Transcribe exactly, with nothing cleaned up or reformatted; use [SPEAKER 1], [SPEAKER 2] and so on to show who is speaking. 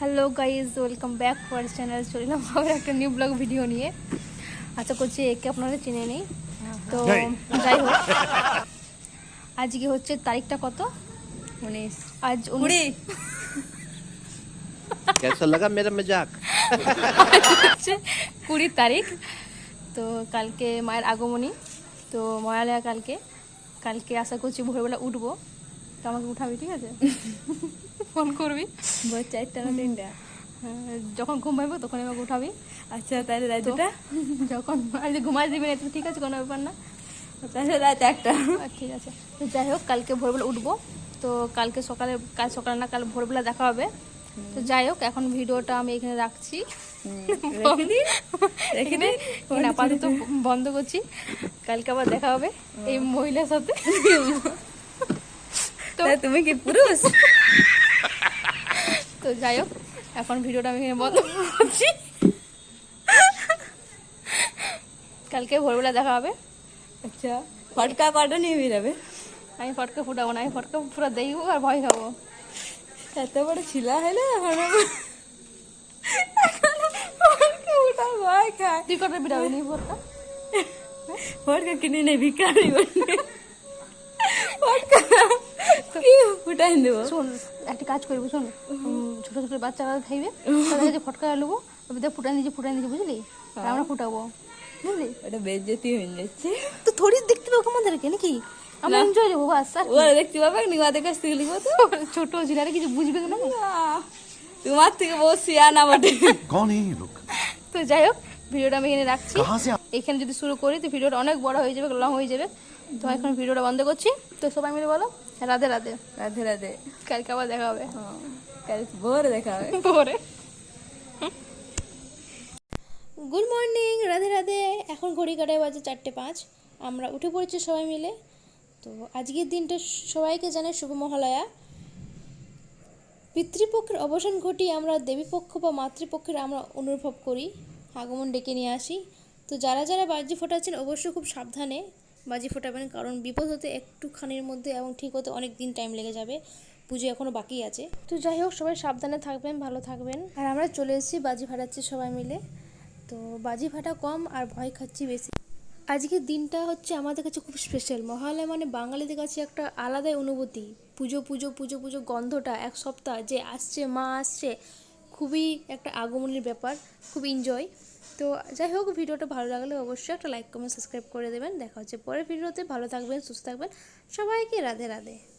[SPEAKER 1] Hello guys, welcome back to our channel. চললাম আবার একটা নিউ ব্লগ ভিডিও নিয়ে। আশা করছি একে আপনারা চিনে নেই। তো যাই হোক, আজকে হচ্ছে তারিখটা কত?
[SPEAKER 2] উনিশ।
[SPEAKER 1] আজ উনিশ।
[SPEAKER 3] कैसा लगा मेरा मजाक?
[SPEAKER 1] হচ্ছে কুড়ি তারিখ। তো কালকে মায়ের আগমনী, তো মহালয়া কালকে। কালকে আশা করছি ভোরবেলা উঠবো, তো আমাকে উঠাবি, ঠিক আছে? ফোন করবি
[SPEAKER 2] ভোর চারটা না তিনটা?
[SPEAKER 1] যখন ঘুম পাইবো তখন আমাকে উঠাবি।
[SPEAKER 2] আচ্ছা, তাহলে রাত দুটা?
[SPEAKER 1] যখন আজ ঘুমাই দিবি না তো ঠিক আছে, কোনো ব্যাপার না।
[SPEAKER 2] তাহলে রাত একটা।
[SPEAKER 1] ঠিক আছে, তো যাই হোক কালকে ভোরবেলা উঠবো। তো কালকে সকালে, কাল সকালে না কাল ভোরবেলা দেখা হবে। তো যাই হোক, এখন ভিডিওটা আমি এখানে রাখছি, আপাতত বন্ধ করছি। কালকে আবার দেখা হবে এই মহিলার সাথে।
[SPEAKER 2] তো তুমি কি পুরুষ?
[SPEAKER 1] তো যাই হোক, এখন ভিডিওটা আমি এখানে বন্ধ করছি। কালকে ভোরবেলা দেখা হবে।
[SPEAKER 2] আচ্ছা, ফটকা কটা নিয়ে বেরাবে?
[SPEAKER 1] আমি ফটকা ফুটাবো না, আমি ফটকা পুরো দেখবো আর ভয় খাবো।
[SPEAKER 2] এত বড় ছিলা হলে ভয় খায়।
[SPEAKER 1] তুই কটা বিড়াবি নি ফটকা?
[SPEAKER 2] ফটকা কিনে নেই, ভিকারি ফটকা ফুটাই দেবো।
[SPEAKER 1] শোন, একটা কাজ করবি, শোন, ছোট ছোট বাচ্চারা খাইবে, তাদের কাছে ফটকা নেবো, ফুটাই নিজে ফুটাই নিজে, বুঝলি? আর আমরা ফুটাবো, বুঝলি?
[SPEAKER 2] ওটা বেজ্জতি হয়ে যাচ্ছে।
[SPEAKER 1] তো থোড়ি দেখতে পাবো আমাদেরকে নাকি? আমরা এনজয় দেবো বাস।
[SPEAKER 2] ওরা দেখতে পাবে না, ওদের কাছ থেকে লিখবো তো।
[SPEAKER 1] ছোট ছিল কিছু বুঝবে না।
[SPEAKER 2] তোমার থেকে বহু সিয়ানা বটে।
[SPEAKER 4] कौन है ये लोग?
[SPEAKER 1] তো যাই হোক, ভিডিওটা আমি এখানে রাখছি।
[SPEAKER 4] कहाँ से आ-
[SPEAKER 1] এখানে যদি শুরু করি তো ভিডিওটা অনেক বড় হয়ে যাবে, লং হয়ে যাবে। তো এখন ভিডিওটা বন্ধ করছি। তো সবাই মিলে বলো রাধে রাধে।
[SPEAKER 2] রাধে রাধে।
[SPEAKER 1] কালকে আবার দেখা হবে।
[SPEAKER 2] হ্যাঁ, কাল ভোরে দেখা হবে।
[SPEAKER 1] পরে গুড মর্নিং, রাধে রাধে। এখন ঘড়ি কাটায় বাজে চারটে পাঁচ। আমরা উঠে পড়েছি সবাই মিলে। তো আজকের দিনটা সবাইকে জানাই শুভ মহালয়া। পিতৃপক্ষের অবসান ঘটিয়ে আমরা দেবীপক্ষ বা মাতৃপক্ষের আমরা অনুভব করি, আগমন ডেকে নিয়ে আসি। তো যারা যারা বাজি ফোটাচ্ছেন অবশ্যই খুব সাবধানে বাজি ফোটাবেন, কারণ বিপদ হতে একটুখানির মধ্যে এবং ঠিক হতে অনেক দিন টাইম লেগে যাবে। পুজো এখনও বাকি আছে। তো যাই হোক, সবাই সাবধানে থাকবেন, ভালো থাকবেন। আর আমরা চলে এসেছি, বাজি ফাটাচ্ছি সবাই মিলে। তো বাজি ফাটা কম আর ভয় খাচ্ছি বেশি। আজকের দিনটা হচ্ছে আমাদের কাছে খুব স্পেশাল। মহালয়া মানে বাঙালিদের কাছে একটা আলাদাই অনুভূতি। পুজো পুজো পুজো পুজো গন্ধটা এক সপ্তাহ যে আসছে, মা আসছে, খুবই একটা আগমনের ব্যাপার, খুব এনজয়। তো যাই হোক, ভিডিওটা ভালো লাগলে অবশ্যই একটা লাইক কমেন্ট সাবস্ক্রাইব করে দেবেন। দেখা হচ্ছে পরের ভিডিওতে। ভালো থাকবেন, সুস্থ থাকবেন, সবাইকে রাধে রাধে।